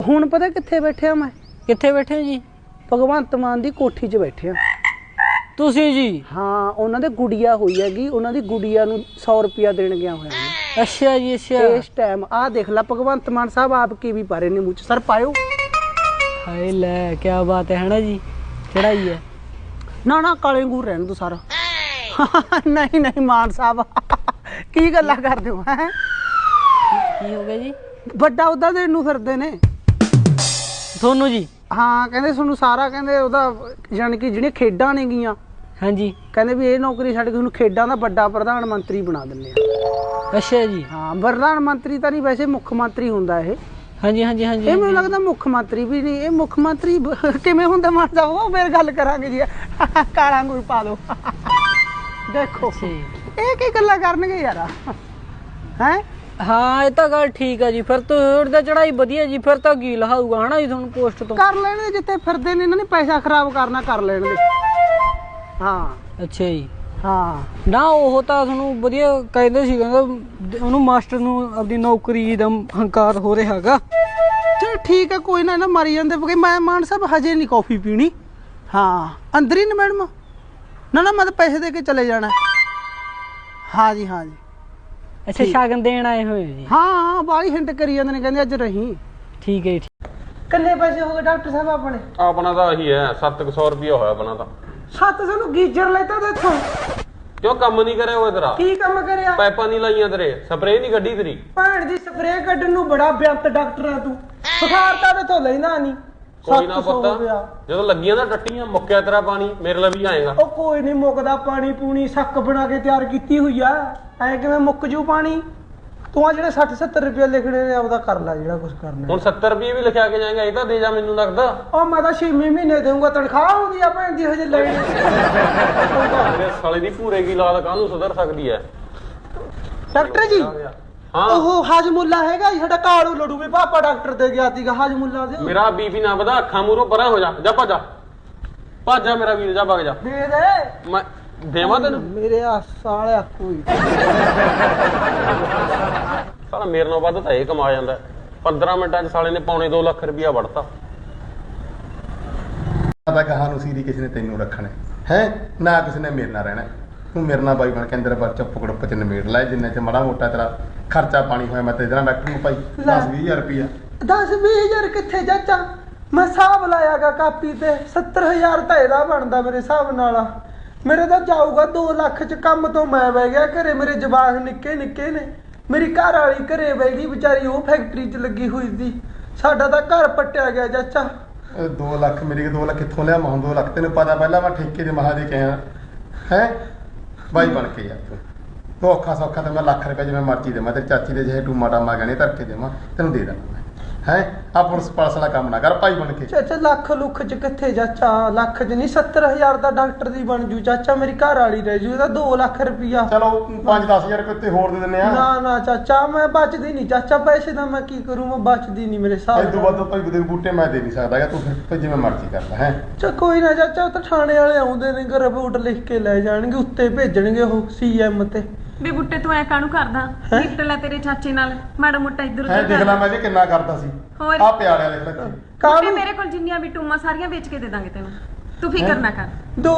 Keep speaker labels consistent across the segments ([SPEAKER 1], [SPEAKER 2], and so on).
[SPEAKER 1] ਹੁਣ ਪਤਾ ਕਿੱਥੇ ਬੈਠਿਆ ਮੈਂ?
[SPEAKER 2] ਕਿੱਥੇ ਬੈਠੇ ਜੀ?
[SPEAKER 1] ਭਗਵੰਤ ਮਾਨ ਦੀ ਕੋਠੀ 'ਚ ਬੈਠਿਆ।
[SPEAKER 2] ਤੁਸੀਂ ਜੀ?
[SPEAKER 1] ਹਾਂ, ਉਹਨਾਂ ਦੇ ਗੁੜੀਆ ਹੋਈ ਹੈਗੀ, ਉਹਨਾਂ ਦੀ ਗੁੜੀਆ ਨੂੰ 100 ਰੁਪਇਆ ਦੇਣ ਗਿਆ ਹੋਇਆ ਮੈਂ।
[SPEAKER 2] ਅੱਛਾ ਜੀ, ਅੱਛਾ।
[SPEAKER 1] ਇਸ ਟਾਈਮ ਆਹ ਦੇਖ ਲੈ ਭਗਵੰਤ ਮਾਨ ਸਾਹਿਬ ਆਪ ਕੀ ਵੀ ਪਾ ਰਹੇ ਨੇ ਮੂੰਹ 'ਚ। ਸਰ ਪਾਇਓ।
[SPEAKER 2] ਹਾਏ ਲੈ, ਕੀ ਬਾਤ ਹੈ ਨਾ ਜੀ, ਚੜਾਈ ਹੈ।
[SPEAKER 1] ਨਾ ਕਾਲੇ ਅੰਗੂਰ ਰਹਿਣ ਦੋ ਸਾਰਾ। ਨਹੀਂ ਮਾਨ ਸਾਹਿਬ ਕੀ ਗੱਲਾਂ ਕਰਦੇ ਹੋ? ਹੈ
[SPEAKER 2] ਕੀ ਹੋ ਗਿਆ ਜੀ?
[SPEAKER 1] ਵੱਡਾ ਉਹਦਾ ਦੇਣ ਨੂੰ ਫਿਰਦੇ ਨੇ
[SPEAKER 2] ਤੁਹਾਨੂੰ ਜੀ?
[SPEAKER 1] ਹਾਂ, ਕਹਿੰਦੇ ਤੁਹਾਨੂੰ ਸਾਰਾ, ਕਹਿੰਦੇ ਉਹਦਾ ਜਾਣੀ ਕਿ ਜਿਹੜੀਆਂ ਖੇਡਾਂ ਨੇ ਗੀਆਂ,
[SPEAKER 2] ਹਾਂਜੀ,
[SPEAKER 1] ਕਹਿੰਦੇ ਵੀ ਇਹ ਨੌਕਰੀ ਛੱਡ ਕੇ ਤੁਹਾਨੂੰ ਖੇਡਾਂ ਦਾ ਵੱਡਾ ਪ੍ਰਧਾਨ ਮੰਤਰੀ ਬਣਾ ਦਿੰਦੇ ਆ।
[SPEAKER 2] ਅੱਛਾ ਜੀ।
[SPEAKER 1] ਹਾਂ, ਪ੍ਰਧਾਨ ਮੰਤਰੀ ਤਾਂ ਨਹੀਂ, ਵੈਸੇ ਮੁੱਖ ਮੰਤਰੀ ਹੁੰਦਾ ਇਹ।
[SPEAKER 2] ਹਾਂਜੀ।
[SPEAKER 1] ਇਹ ਮੈਨੂੰ ਲੱਗਦਾ ਮੁੱਖ ਮੰਤਰੀ ਵੀ ਨਹੀਂ, ਇਹ ਮੁੱਖ ਮੰਤਰੀ ਕਿਵੇਂ ਹੁੰਦਾ ਮਾਨ ਸਾਹਿਬ? ਉਹ ਫਿਰ ਗੱਲ ਕਰਾਂਗੇ ਜੀ। ਕਾਲਾ ਅੰਗੂਰ ਪਾ ਦੋ। ਦੇਖੋ ਇਹ ਕੀ ਗੱਲਾਂ ਕਰਨਗੇ ਯਾਰ। ਹੈ
[SPEAKER 2] ਹਾਂ, ਇਹ ਤਾਂ ਗੱਲ ਠੀਕ ਹੈ ਜੀ। ਫਿਰ ਤਾਂ ਚੜਾਈ ਵਧੀਆ ਜੀ, ਫਿਰ ਤਾਂ ਕੀ ਲਹਾਊਗਾ ਹਨਾ ਜੀ ਤੁਹਾਨੂੰ ਪੋਸਟ ਤੋਂ।
[SPEAKER 1] ਕਰ ਲੈਣ ਦੇ, ਜਿੱਥੇ ਫਿਰਦੇ ਨੇ ਇਹਨਾਂ ਨੇ ਪੈਸਾ ਖਰਾਬ ਕਰਨਾ, ਕਰ ਲੈਣ ਦੇ। ਹਾਂ
[SPEAKER 2] ਅੱਛਾ ਜੀ।
[SPEAKER 1] ਹਾਂ
[SPEAKER 2] ਨਾ ਉਹ ਤਾਂ ਤੁਹਾਨੂੰ ਵਧੀਆ ਕਹਿੰਦੇ ਸੀ, ਕਹਿੰਦਾ ਉਹਨੂੰ ਮਾਸਟਰ ਨੂੰ ਆਪਣੀ ਨੌਕਰੀ ਦਾ ਹੰਕਾਰ ਹੋ ਰਿਹਾ ਹੈਗਾ।
[SPEAKER 1] ਚਲ ਠੀਕ ਹੈ, ਕੋਈ ਨਾ, ਮਾਰੀ ਜਾਂਦੇ। ਮੈਂ ਮਾਨ ਸਾਹਿਬ ਹਜੇ ਨਹੀਂ ਕੌਫੀ ਪੀਣੀ। ਹਾਂ, ਅੰਦਰ ਹੀ ਨੇ ਮੈਡਮ? ਨਾ ਮੈਂ ਤਾਂ ਪੈਸੇ ਦੇ ਕੇ ਚਲੇ ਜਾਣਾ। ਹਾਂ ਜੀ।
[SPEAKER 2] ਅੱਛਾ, ਸ਼ਗਨ ਦੇਣ ਆਏ ਹੋਏ ਜੀ?
[SPEAKER 1] ਹਾਂ, ਬਾਹਲੀ ਹਿੰਟ ਕਰੀ ਜਾਂਦੇ ਨੇ, ਕਹਿੰਦੇ ਅੱਜ ਰਹੀ।
[SPEAKER 2] ਠੀਕ ਹੈ ਜੀ।
[SPEAKER 1] ਕਿੰਨੇ ਪੈਸੇ ਹੋ ਗਏ ਡਾਕਟਰ ਸਾਹਿਬ ਆਪਣੇ?
[SPEAKER 3] ਆਪਣਾ ਤਾਂ ਇਹੀ ਹੈ, 700 ਰੁਪਇਆ ਹੋਇਆ ਆਪਣਾ ਤਾਂ।
[SPEAKER 1] 700 ਨੂੰ ਗੀਜਰ ਲੈਤਾ ਦੇਖੋ।
[SPEAKER 3] ਕਿਉਂ ਕੰਮ ਨਹੀਂ ਕਰਿਆ ਹੋਇਆ ਤੇਰਾ?
[SPEAKER 1] ਕੀ ਕੰਮ ਕਰਿਆ?
[SPEAKER 3] ਪਾਈਪਾਂ ਨਹੀਂ ਲਾਈਆਂ ਤੇਰੇ, ਸਪਰੇਅ ਨਹੀਂ ਕੱਢੀ ਤੇਰੀ?
[SPEAKER 1] ਭੈਣ ਦੀ ਸਪਰੇਅ ਕੱਢਣ ਨੂੰ ਬੜਾ ਬਿਆੰਤ ਡਾਕਟਰ ਆ ਤੂੰ। ਬੁਖਾਰ ਤਾਂ ਤੇ ਤੋਂ ਲੈਣਾ ਨਹੀਂ।
[SPEAKER 3] ਕੋਈ ਨਾ ਪੁੱਤ, ਜਦੋਂ ਲੱਗੀਆਂ ਨਾ ਟੱਟੀਆਂ, ਮੁੱਕਿਆ ਤੇਰਾ ਪਾਣੀ, ਮੇਰੇ ਲਈ ਵੀ ਆਏਗਾ।
[SPEAKER 1] ਉਹ ਕੋਈ ਨਹੀਂ ਮੁੱਕਦਾ ਪਾਣੀ ਪੂਣੀ, ਸੱਕ ਬਣਾ ਕੇ ਤਿਆਰ ਕੀਤੀ ਹੋਈ ਆ। ਐ ਕਿਵੇਂ ਮੁੱਕ ਜੂ ਪਾਣੀ? ਤੂੰ ਆ ਜਿਹੜੇ 60-70 ਰੁਪਏ ਲਿਖਣੇ ਨੇ ਆਪਦਾ ਕਰ ਲੈ ਜਿਹੜਾ ਕੁਝ ਕਰਨਾ।
[SPEAKER 3] ਹੁਣ 70 ਰੁਪਏ ਵੀ ਲਿਖਿਆ ਕੇ ਜਾਏਗਾ, ਇਹ ਤਾਂ ਦੇ ਜਾ ਮੈਨੂੰ ਲੱਗਦਾ।
[SPEAKER 1] ਉਹ ਮੈਂ ਤਾਂ 6 ਮਹੀਨੇ ਦੇਊਂਗਾ, ਤਨਖਾਹ ਆਉਂਦੀ ਆ ਭੈਣ ਦੀ ਹਜੇ ਲੈਣੀ।
[SPEAKER 3] ਮੇਰੇ ਸਾਲੇ ਦੀ ਭੂਰੇ ਕੀ ਲਾਲ ਕਾਹਨੂੰ ਸੁਧਰ ਸਕਦੀ ਹੈ?
[SPEAKER 1] ਡਾਕਟਰ ਜੀ,
[SPEAKER 3] ਹਾਂ
[SPEAKER 1] ਉਹ ਹਾਜਮੁੱਲਾ ਹੈਗਾ ਜੀ ਸਾਡਾ, ਕਾਲੂ ਲੜੂ ਵੀ ਪਾਪਾ ਡਾਕਟਰ ਦੇ ਗਿਆ ਸੀਗਾ। ਹਾਜਮੁੱਲਾ ਦੇ
[SPEAKER 3] ਮੇਰਾ ਬੀਪੀ ਨਾ ਵਧਾ, ਅੱਖਾਂ ਮੂਹਰੋਂ ਪਰਾਂ ਹੋ ਜਾ, ਜਾ ਭੱਜ ਜਾ ਮੇਰਾ ਵੀਰ, ਜਾ ਭੱਜ ਜਾ।
[SPEAKER 1] ਦੇ ਦੇ
[SPEAKER 3] ਮੈਂ ਦੇਵਾਂ ਤੈਨੂੰ?
[SPEAKER 1] ਮੇਰੇ ਆ ਸਾਲਿਆ ਕੋਈ
[SPEAKER 3] ਸਾਲਾ ਮੇਰੇ ਨਾਲ ਵੱਧ ਤਾਂ ਇਹ ਕਮਾ ਜਾਂਦਾ। 15 ਮਿੰਟਾਂ 'ਚ ਸਾਲੇ ਨੇ ਪੌਣੇ 2 ਲੱਖ ਰੁਪਇਆ ਵੜਤਾ।
[SPEAKER 4] ਤਾਂ ਕਹਾਂ ਨੂੰ ਸੀਰੀ ਕਿਸੇ ਨੇ ਤੈਨੂੰ ਰੱਖਣਾ ਹੈ ਨਾ, ਕਿਸੇ ਨੇ ਮੇਰੇ ਨਾਲ ਰਹਿਣਾ। ਤੂੰ ਮੇਰੇ ਨਾਲ ਬਾਈ ਬਣ ਕੇ ਅੰਦਰ ਬੱਚਾ ਪੁਕੜ ਚ ਨਿਬੇੜ ਲੈ, ਜਿੰਨੇ ਚ ਮਾੜਾ ਮੋਟਾ ਤੇਰਾ ਖਰਚਾ ਪਾਣੀ ਹੋਇਆ। ਮੈਂ ਤੇ ਇਹਦੇ ਨਾਲ ਡਾਕਟਰ ਨੂੰ ਭਾਈ 10-20 ਰੁਪਇਆ।
[SPEAKER 1] 10-20 ਕਿੱਥੇ ਚਾਚਾ? ਮੈਂ ਹਿਸਾਬ ਲਾਇਆਗਾ ਕਾਪੀ ਤੇ 70,000 ਤਾਂ ਇਹਦਾ ਬਣਦਾ ਮੇਰੇ ਹਿਸਾਬ ਨਾਲ। ਮੇਰੇ ਤਾਂ ਜਾਊਗਾ 2 ਲੱਖ ਚ। ਕੰਮ ਤੋਂ ਮੈਂ ਬਹਿ ਗਿਆ ਘਰੇ, ਮੇਰੇ ਜਵਾਕ ਨਿੱਕੇ ਨੇ। ਮੇਰੀ ਘਰ ਵਾਲੀ ਘਰੇ ਬਹਿ ਗਈ ਵਿਚਾਰੀ, ਉਹ ਫੈਕਟਰੀ 'ਚ ਲੱਗੀ ਹੋਈ ਸੀ। ਸਾਡਾ ਤਾਂ ਘਰ ਪੱਟਿਆ ਗਿਆ ਚਾਚਾ।
[SPEAKER 4] 2 ਲੱਖ ਮੇਰੇ 2 ਲੱਖ ਕਿੱਥੋਂ ਲਿਆ? ਮੈਂ 2 ਲੱਖ ਤੈਨੂੰ ਪਤਾ, ਪਹਿਲਾਂ ਮੈਂ ਠੇਕੇ ਦੇ ਮਹਾ ਦੇ ਕੇ ਆਇਆ ਹੈ ਬਾਈ ਬਣ ਕੇ ਯਾਰ। ਤੂੰ ਔਖਾ ਸੌਖਾ ਤਾਂ ਮੈਂ ਲੱਖ ਰੁਪਏ ਜਿਵੇਂ ਮਰਜ਼ੀ ਦੇਵਾਂ, ਤੇਰੀ ਚਾਚੀ ਦੇ ਜਿਹੇ ਟੂਮਾ ਟਾਮਾ ਗਹਿਣੇ ਧਰ ਕੇ ਦੇਵਾਂ, ਤੈਨੂੰ ਦੇ ਦੇਣਾ ਹੈ। ਆ ਪੁਲਿਸ ਪਾਲਸ ਵਾਲਾ ਕੰਮ ਨਾ ਕਰ ਭਾਈ ਬਣ ਕੇ।
[SPEAKER 1] ਚਾਚਾ ਲੱਖ ਲੁੱਖ ਚ ਕਿੱਥੇ ਚਾਚਾ? ਲੱਖ ਚ ਨਹੀਂ, 70,000 ਦਾ ਡਾਕਟਰ ਦੀ ਬਣ ਜੂ ਚਾਚਾ। ਮੇਰੀ ਘਰ ਵਾਲੀ ਰਹਿ ਜੂ, ਇਹਦਾ 2 ਲੱਖ ਰੁਪਇਆ।
[SPEAKER 4] ਚਲੋ 5-10 ਹਜ਼ਾਰ ਰੁਪਏ ਹੋਰ ਦੇ ਦਿੰਦੇ ਆ।
[SPEAKER 1] ਨਾ ਚਾਚਾ, ਮੈਂ ਬਚਦੀ ਨਹੀਂ ਚਾਚਾ, ਪੈਸੇ ਦਾ ਮੈਂ ਕੀ ਕਰੂੰ? ਮੈਂ ਬਚਦੀ ਨਹੀਂ ਮੇਰੇ ਹਿਸਾਬ
[SPEAKER 4] ਇਹ ਤੋਂ ਵੱਧ ਭਾਈ ਦੇ ਬੂਟੇ ਮੈਂ ਦੇ ਨਹੀਂ ਸਕਦਾ, ਤੂੰ ਫਿਰ ਜਿਵੇਂ ਮਰਜ਼ੀ ਕਰ ਲੈ ਹੈ।
[SPEAKER 1] ਚਾ ਕੋਈ ਨਾ ਚਾਚਾ, ਉਹ ਤਾਂ ਥਾਣੇ ਵਾਲੇ ਆਉਂਦੇ ਨੇ, ਰਿਪੋਰਟ ਲਿਖ ਕੇ ਲੈ ਜਾਣਗੇ, ਉੱਤੇ ਭੇਜਣਗੇ ਉਹ CM ਤੇ।
[SPEAKER 5] ਵੀ ਬੁੱਟੇ ਤੂੰ ਐ ਕਾਹਨੂੰ ਕਰਦਾ? ਨਿਕਟ ਲੈ ਤੇਰੇ ਚਾਚੇ ਨਾਲ ਮਾੜਾ ਮੋਟਾ ਇੱਧਰ
[SPEAKER 4] ਹੈ
[SPEAKER 5] ਉੱਧਰ
[SPEAKER 4] ਦੇਖ ਲੈ ਮੈਂ ਵੀ ਕਿੰਨਾ ਕਰਦਾ ਸੀ।
[SPEAKER 5] ਹੋਰ?
[SPEAKER 4] ਆ ਪਿਆਲਿਆ ਲਿਖ ਲੈ
[SPEAKER 5] ਬੁੱਟੇ
[SPEAKER 1] ਕਾਹਨੂੰ?
[SPEAKER 5] ਮੇਰੇ ਕੋਲ ਜਿੰਨੀਆਂ ਵੀ ਟੂਮਾਂ ਸਾਰੀਆਂ ਵੇਚ ਕੇ ਦੇ ਦਾਂਗੇ ਤੈਨੂੰ, ਤੂੰ ਫਿਕਰ ਨਾ ਕਰ।
[SPEAKER 1] 2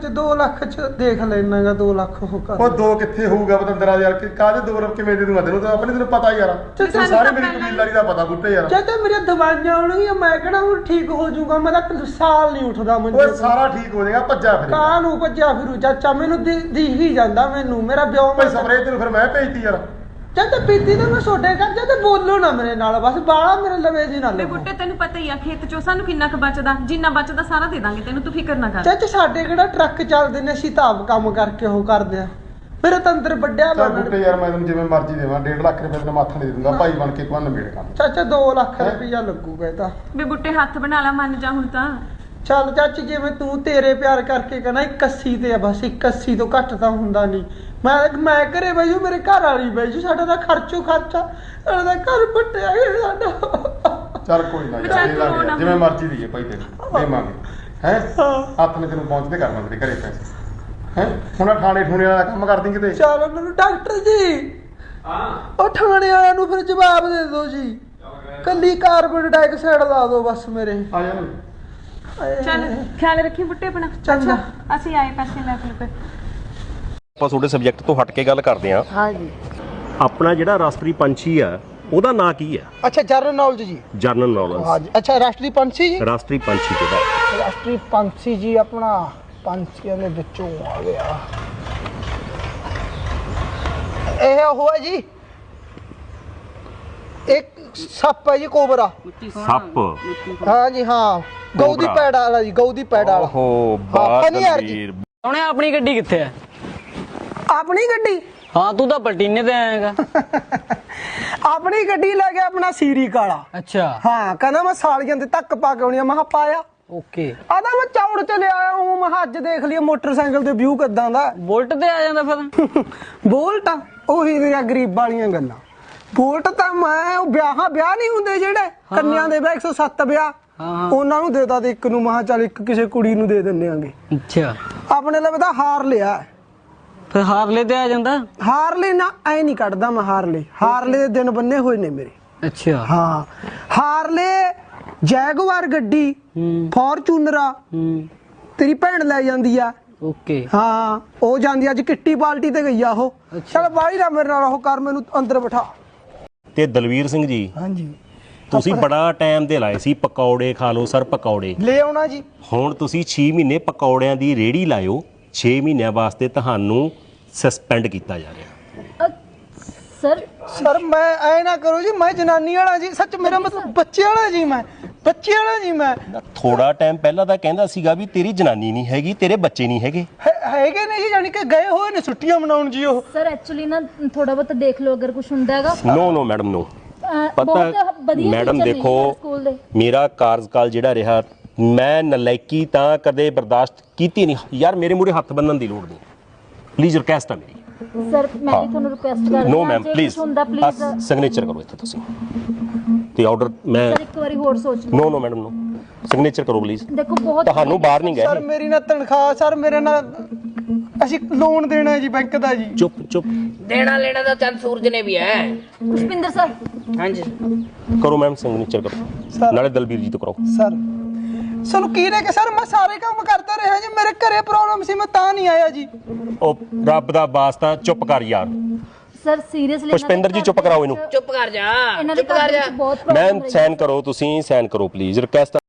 [SPEAKER 1] ਲੱਖ ਚ ਦੇਖ ਲੈਣਾਗਾ। 2 ਲੱਖ ਉਹ ਕਰ।
[SPEAKER 4] ਉਹ 2 ਕਿੱਥੇ ਹੋਊਗਾ ਬਤੰਦਰਾ ਯਾਰ? ਕਾਹਦੇ 2 ਰੁਪਏ ਕਿਵੇਂ ਦੇ ਦੂੰਗਾ ਤੈਨੂੰ? ਤਾਂ ਆਪਣੇ ਤੈਨੂੰ ਪਤਾ ਯਾਰ, ਤੈਨੂੰ ਸਾਰੀ ਮੇਰੀ ਕਬੀਲਦਾਰੀ ਦਾ ਪਤਾ ਬੁੱਟੇ ਯਾਰ।
[SPEAKER 1] ਚਾਚਾ ਮੇਰੀਆਂ ਦਵਾਈਆਂ ਆਉਣਗੀਆਂ, ਮੈਂ ਕਿਹੜਾ ਹੁਣ ਠੀਕ ਹੋ ਜਾਊਗਾ? ਮੈਂ ਤਾਂ ਸਾਲ ਨਹੀਂ ਉੱਠਦਾ ਮੈਨੂੰ।
[SPEAKER 4] ਓਏ ਸਾਰਾ ਠੀਕ ਹੋ ਜਾਏਗਾ, ਭੱਜਾ ਫਿਰ।
[SPEAKER 1] ਕਾਹਨੂੰ ਭੱਜਿਆ ਫਿਰੂ ਚਾਚਾ? ਮੈਨੂੰ ਦਿਖ ਹੀ ਜਾਂਦਾ, ਮੈਨੂੰ ਮੇਰਾ ਵਿਆਹ।
[SPEAKER 4] ਭਾਈ ਸਪਰੇਅ ਤੈਨੂੰ ਫਿਰ ਮੈਂ ਭੇਜਤੀ ਯਾਰ।
[SPEAKER 1] ਚਾਚਾ ਪੀਤੀ ਤਾਂ ਮੈਂ ਛੋਟੇ ਕਰ ਜਾ, ਤੇ ਬੋਲੋ ਨਾ ਮੇਰੇ ਨਾਲ, ਬਸ ਬਾਲਾ ਮੇਰੇ ਲਵੇ ਜੀ ਨਾ
[SPEAKER 5] ਵੀ
[SPEAKER 1] ਲੱਗੋ।
[SPEAKER 5] ਬੁੱਟੇ ਤੈਨੂੰ ਪਤਾ ਹੀ ਆ ਖੇਤ ਚੋਂ ਸਾਨੂੰ ਕਿੰਨਾ ਕੁ ਬਚਦਾ, ਜਿੰਨਾ ਬਚਦਾ ਸਾਰਾ ਦੇ ਦਾਂਗੇ ਤੈਨੂੰ, ਤੂੰ ਫਿਕਰ ਨਾ ਕਰ।
[SPEAKER 1] ਚਾਚਾ ਸਾਡੇ ਕਿਹੜਾ ਟਰੱਕ ਚੱਲਦੇ ਨੇ, ਅਸੀਂ ਤਾਂ ਆਪ ਕੰਮ ਕਰਕੇ ਉਹ ਕਰਦੇ ਆ। ਮੇਰੇ ਤਾਂ ਅੰਦਰ ਵੱਡਿਆ
[SPEAKER 4] ਚੱਲ ਬੁੱਟੇ ਯਾਰ, ਮੈਂ ਤੈਨੂੰ ਜਿਵੇਂ ਮਰਜ਼ੀ ਦੇਵਾਂ, 1.5 ਲੱਖ ਰੁਪਏ ਤੈਨੂੰ ਮਾਥਾ ਨਹੀਂ ਦੇ ਦੂੰਗਾ ਭਾਈ ਬਣ ਕੇ। ਤੂੰ ਨਵੇੜ ਕੰਮ
[SPEAKER 1] ਚਾਚਾ 2 ਲੱਖ ਰੁਪਇਆ ਲੱਗੂਗਾ ਇਹ ਤਾਂ।
[SPEAKER 5] ਵੀ ਬੁੱਟੇ ਹੱਥ ਬਣਾ ਲਾ, ਮੰਨ ਜਾ ਹੁਣ ਤਾਂ।
[SPEAKER 1] ਚੱਲ ਚਾਚੀ, ਜਿਵੇਂ ਤੂੰ ਤੇਰੇ ਪਿਆਰ ਕਰਕੇ ਕਹਿੰਦਾ 81 ਤੇ ਆ, ਬਸ 81 ਤੋਂ ਘੱਟ ਤਾਂ ਹੁੰਦਾ ਨਹੀਂ। ਮੈਂ ਘਰੇ ਬੈਜੂ, ਮੇਰੇ ਘਰ ਵਾਲੀ ਬੈਜੂ, ਸਾਡਾ ਤਾਂ ਖਰਚਾ ਸਾਡਾ ਤਾਂ ਘਰ ਪੱਟਿਆ ਗਿਆ ਸਾਡਾ।
[SPEAKER 4] ਚੱਲ ਕੋਈ ਨਾ ਯਾਰ, ਦੇ ਲਾਂਗੇ ਜਿਵੇਂ ਮਰਜ਼ੀ ਦੀਏ ਭਾਈ, ਤੈਨੂੰ ਦੇਵਾਂਗੇ ਹੈ। ਹੱਥ ਨੇ ਤੈਨੂੰ ਪਹੁੰਚਦੇ ਕਰਨਾ ਤੇਰੇ ਘਰੇ ਪੈਸੇ ਹੈ। ਹੁਣ ਥਾਣੇ ਠੂਣੇ ਵਾਲਾ ਕੰਮ ਕਰਦੀ ਕਿਤੇ?
[SPEAKER 1] ਚਲ ਉਹਨਾਂ ਨੂੰ ਡਾਕਟਰ ਜੀ,
[SPEAKER 3] ਹਾਂ
[SPEAKER 1] ਉਹ ਥਾਣੇ ਵਾਲਿਆਂ ਨੂੰ ਫਿਰ ਜਵਾਬ ਦੇ ਦਿਓ ਜੀ। ਕੱਲੀ ਕਾਰਬਨ ਡਾਈਆਕਸਾਈਡ ਲਾ ਦਿਓ ਬਸ ਮੇਰੇ।
[SPEAKER 4] ਆ ਜਾ
[SPEAKER 5] ਚੱਲ ਖਿਆਲ ਰੱਖੀ ਬੁੱਟੇ ਆਪਣਾ।
[SPEAKER 1] ਚੰਗਾ।
[SPEAKER 5] ਅੱਛਾ ਅਸੀਂ ਆਏ ਪੈਸੇ ਲੈ ਕੇ।
[SPEAKER 6] ਆਪਾਂ ਤੁਹਾਡੇ ਸਬਜੈਕਟ ਤੋਂ ਹਟ ਕੇ ਗੱਲ ਕਰਦੇ ਹਾਂ।
[SPEAKER 1] ਹਾਂਜੀ।
[SPEAKER 6] ਆਪਣਾ ਜਿਹੜਾ ਰਾਸ਼ਟਰੀ ਪੰਛੀ ਆ ਉਹਦਾ ਨਾਂ ਕੀ ਆ?
[SPEAKER 1] ਅੱਛਾ ਜਨਰਲ ਨੌਲੇਜ ਜੀ।
[SPEAKER 6] General knowledge.
[SPEAKER 1] ਹਾਂਜੀ। ਅੱਛਾ ਰਾਸ਼ਟਰੀ ਪੰਛੀ ਜੀ।
[SPEAKER 6] ਰਾਸ਼ਟਰੀ ਪੰਛੀ ਕਿਹੜਾ?
[SPEAKER 1] ਰਾਸ਼ਟਰੀ ਪੰਛੀ ਜੀ ਆਪਣਾ ਪੰਛੀਆਂ ਦੇ ਵਿੱਚੋਂ ਆ ਗਿਆ ਇਹ ਉਹ ਹੈ ਜੀ, ਇੱਕ ਸੱਪ ਹੈ ਜੀ, ਕੋਬਰਾ।
[SPEAKER 6] ਸੱਪ।
[SPEAKER 1] ਹਾਂ ਜੀ ਹਾਂ, ਗਊ ਦੀ ਪੈੜ ਵਾਲਾ ਜੀ, ਗਊ ਦੀ ਪੈੜ ਵਾਲਾ।
[SPEAKER 6] ਓਹੋ
[SPEAKER 1] ਹਾਂ, ਨਹੀਂ ਯਾਰ ਜੀ।
[SPEAKER 6] ਬਾਦਲਵੀਰ।
[SPEAKER 2] ਉਹਨੇ ਆਪਣੀ ਗੱਡੀ ਕਿੱਥੇ ਹੈ?
[SPEAKER 1] ਆਪਣੀ ਗੱਡੀ?
[SPEAKER 2] ਹਾਂ ਤੂੰ ਤਾਂ ਪਲਟੀਨੇ ਤੇ ਆਏਗਾ।
[SPEAKER 1] ਆਪਣੀ ਗੱਡੀ ਲੈ ਗਿਆ ਆਪਣਾ ਸੀਰੀ ਕਾਲਾ।
[SPEAKER 2] ਅੱਛਾ
[SPEAKER 1] ਹਾਂ ਕਹਿੰਦਾ ਮੈਂ ਸਾਲੀਆਂ ਦੇ ਤੱਕ ਪਾ ਕੇ ਆਉਣੀ ਆ। ਮੈਂ ਕਿਹਾ ਪਾਇਆ।
[SPEAKER 2] ਓਕੇ।
[SPEAKER 1] ਆਦਾ ਮੈਂ ਚੌੜ ਚ ਲਿਆਇਆ ਹੂੰ। ਮੈਂ ਕਿਹਾ ਅੱਜ ਦੇਖ ਲਈਏ ਮੋਟਰਸਾਈਕਲ ਤੇ ਵਿਊ ਕਿੱਦਾਂ ਦਾ।
[SPEAKER 2] ਬੁਲਟ ਤੇ ਆ ਜਾਂਦਾ ਫਿਰ।
[SPEAKER 1] ਬੋਲਟ ਉਹੀ ਦੀਆਂ ਗਰੀਬ ਵਾਲੀਆਂ ਗੱਲਾਂ। ਬੋਲਟ ਤਾਂ ਮੈਂ ਉਹ ਵਿਆਹ ਨਹੀਂ ਹੁੰਦੇ ਜਿਹੜੇ ਕੰਨਿਆਂ ਦੇ ਵਿਆਹ 107 ਵਿਆਹ, ਉਹਨਾਂ ਨੂੰ ਦੇਦਾ ਤੇ ਇੱਕ ਨੂੰ ਮਹਾ ਚੱਲ ਇੱਕ ਕਿਸੇ ਕੁੜੀ ਨੂੰ ਦੇ ਦਿੰਦੇ ਆਂਗੇ।
[SPEAKER 2] ਅੱਛਾ
[SPEAKER 1] ਆਪਣੇ ਲਈ ਤਾਂ ਹਾਰ ਲਿਆ।
[SPEAKER 2] ਫਿਰ ਹਾਰਲੇ ਤੇ ਆ ਜਾਂਦਾ।
[SPEAKER 1] ਹਾਰਲੇ ਨਾ ਐ ਨਹੀਂ ਕੱਢਦਾ ਮੈਂ। ਹਾਰਲੇ ਦੇ ਦਿਨ ਬੰਨੇ ਹੋਏ ਨੇ ਮੇਰੇ।
[SPEAKER 2] ਅੱਛਾ
[SPEAKER 1] ਹਾਂ ਹਾਰਲੇ ਜੈਗਵਾਰ ਗੱਡੀ, ਫੋਰਚੂਨਰਾ ਤੇਰੀ ਭੈਣ ਲੈ ਜਾਂਦੀ ਆ।
[SPEAKER 2] ਓਕੇ।
[SPEAKER 1] ਹਾਂ ਉਹ ਜਾਂਦੀ ਅੱਜ ਕਿੱਟੀ ਪਾਰਟੀ ਤੇ ਗਈ ਆ ਉਹ। ਚਲ ਬਾਈ ਨਾ ਮੇਰੇ ਨਾਲ ਉਹ ਕਰ, ਮੈਨੂੰ ਅੰਦਰ ਬਿਠਾ।
[SPEAKER 6] ਤੇ ਦਲਵੀਰ ਸਿੰਘ ਜੀ,
[SPEAKER 1] ਹਾਂਜੀ
[SPEAKER 6] ਤੁਸੀਂ ਬੜਾ ਟਾਈਮ ਦੇ ਲਾਏ ਸੀ ਪਕੌੜੇ ਖਾ ਲਓ ਸਰ, ਪਕੌੜੇ
[SPEAKER 1] ਲੈ ਆਉਣਾ ਜੀ।
[SPEAKER 6] ਹੁਣ ਤੁਸੀਂ 6 ਮਹੀਨੇ ਪਕੌੜਿਆਂ ਦੀ ਰੇਹੜੀ ਲਾਇਓ। 6 ਮਹੀਨਿਆਂ ਵਾਸਤੇ ਤੁਹਾਨੂੰ ਸਸਪੈਂਡ ਕੀਤਾ ਜਾ ਰਿਹਾ।
[SPEAKER 1] ਸਰ ਮੈਂ ਐ ਨਾ ਕਰੋ ਜੀ, ਮੈਂ ਜਨਾਨੀ ਵਾਲਾ ਜੀ। ਸੱਚ ਮੇਰਾ ਮਤਲਬ ਬੱਚੇ ਵਾਲਾ ਜੀ। ਮੈਂ ਬੱਚੇ ਵਾਲਾ ਜੀ। ਮੈਂ
[SPEAKER 6] ਥੋੜਾ ਟਾਈਮ ਪਹਿਲਾਂ ਤਾਂ ਕਹਿੰਦਾ ਸੀਗਾ ਵੀ ਤੇਰੀ ਜਨਾਨੀ ਨਹੀਂ ਹੈਗੀ, ਤੇਰੇ ਬੱਚੇ ਨਹੀਂ ਹੈਗੇ।
[SPEAKER 1] ਹੈਗੇ ਨੇ ਜੀ, ਜਾਨੀ ਕਿ ਗਏ ਹੋਏ ਨੇ ਛੁੱਟੀਆਂ ਮਨਾਉਣ ਜੀ ਉਹ।
[SPEAKER 7] ਸਰ ਐਕਚੁਅਲੀ ਨਾ ਥੋੜਾ ਬਹੁਤ ਦੇਖ ਲਓ ਅਗਰ ਕੁਝ ਹੁੰਦਾ ਹੈਗਾ।
[SPEAKER 6] No madam no. ਪਤਾ ਮੈਡਮ ਦੇਖੋ, ਮੇਰਾ ਕਾਰਜਕਾਲ ਜਿਹੜਾ ਰਿਹਾ, ਮੈਂ ਨਲਾਇਕੀ ਤਾਂ ਕਦੇ ਬਰਦਾਸ਼ਤ ਕੀਤੀ ਨਹੀਂ ਯਾਰ। ਮੇਰੇ ਮੂਹਰੇ ਹੱਥ ਬੰਨਣ ਦੀ ਲੋੜ ਨਹੀਂ। ਪਲੀਜ਼ ਰਿਕਵੈਸਟ ਆ ਮੇਰੀ।
[SPEAKER 7] ਸਰ ਮੈਂ ਵੀ ਤੁਹਾਨੂੰ ਰਿਕੁਐਸਟ ਕਰਦੀ
[SPEAKER 6] ਨੋ
[SPEAKER 7] ਹਾਂ
[SPEAKER 6] ਮੈਮ ਪਲੀਜ਼ ਸਿਗਨੇਚਰ ਕਰੋ ਇੱਥੇ ਤੁਸੀਂ ਤੇ ਆਰਡਰ। ਮੈਂ
[SPEAKER 7] ਸਰ ਇੱਕ ਵਾਰੀ ਹੋਰ ਸੋਚ ਲਓ।
[SPEAKER 6] ਨੋ ਮੈਡਮ ਨੋ, ਸਿਗਨੇਚਰ ਕਰੋ ਪਲੀਜ਼।
[SPEAKER 7] ਦੇਖੋ ਬਹੁਤ
[SPEAKER 6] ਤੁਹਾਨੂੰ ਬਾਹਰ ਨਹੀਂ
[SPEAKER 1] ਸਰ
[SPEAKER 6] ਗਏ।
[SPEAKER 1] ਮੇਰੀ ਨਾ ਤਨਖਾਹ, ਸਰ ਮੇਰੇ ਨਾਲ ਅਸੀਂ ਲੋਨ ਦੇਣਾ ਜੀ ਬੈਂਕ ਦਾ ਜੀ।
[SPEAKER 6] ਚੁੱਪ
[SPEAKER 8] ਦੇਣਾ ਲੈਣਾ ਤਾਂ ਚੰਦ ਸੂਰਜ ਨੇ ਵੀ ਹੈ।
[SPEAKER 7] ਪੁਸ਼ਪਿੰਦਰ ਸਰ।
[SPEAKER 8] ਹਾਂਜੀ
[SPEAKER 6] ਕਰੋ ਮੈਮ ਸਿਗਨੇਚਰ ਕਰੋ, ਨਾਲੇ ਦਲਬੀਰ ਜੀ ਤੋਂ ਕਰਾਓ।
[SPEAKER 1] ਸਰ ਸਾਨੂੰ ਕੀ ਨੇ ਕਿ ਸਰ ਮੈਂ ਸਾਰੇ ਕੰਮ ਕਰਦਾ ਰਿਹਾ ਜੀ। ਮੇਰੇ ਘਰੇ ਪ੍ਰੋਬਲਮ ਸੀ, ਮੈਂ ਤਾਂ ਨਹੀਂ ਆਇਆ ਜੀ।
[SPEAKER 6] ਉਹ ਰੱਬ ਦਾ ਵਾਸਤਾ ਚੁੱਪ ਕਰ ਯਾਰ।
[SPEAKER 7] ਸਰ ਸੀਰੀਅਸਲੀ
[SPEAKER 6] ਪੁਸ਼ਪਿੰਦਰ ਜੀ ਚੁੱਪ ਕਰਾਓ ਇਹਨੂੰ।
[SPEAKER 8] ਚੁੱਪ ਕਰ ਜਾ,
[SPEAKER 7] ਇਹਨਾਂ ਦੇ
[SPEAKER 8] ਚੁੱਪ ਕਰ ਜਾ।
[SPEAKER 7] ਬਹੁਤ ਪ੍ਰੋਬਲਮ
[SPEAKER 6] ਮੈਮ ਸਾਈਨ ਕਰੋ, ਤੁਸੀਂ ਸਾਈਨ ਕਰੋ ਪਲੀਜ਼। ਰਿਕਵੈਸਟ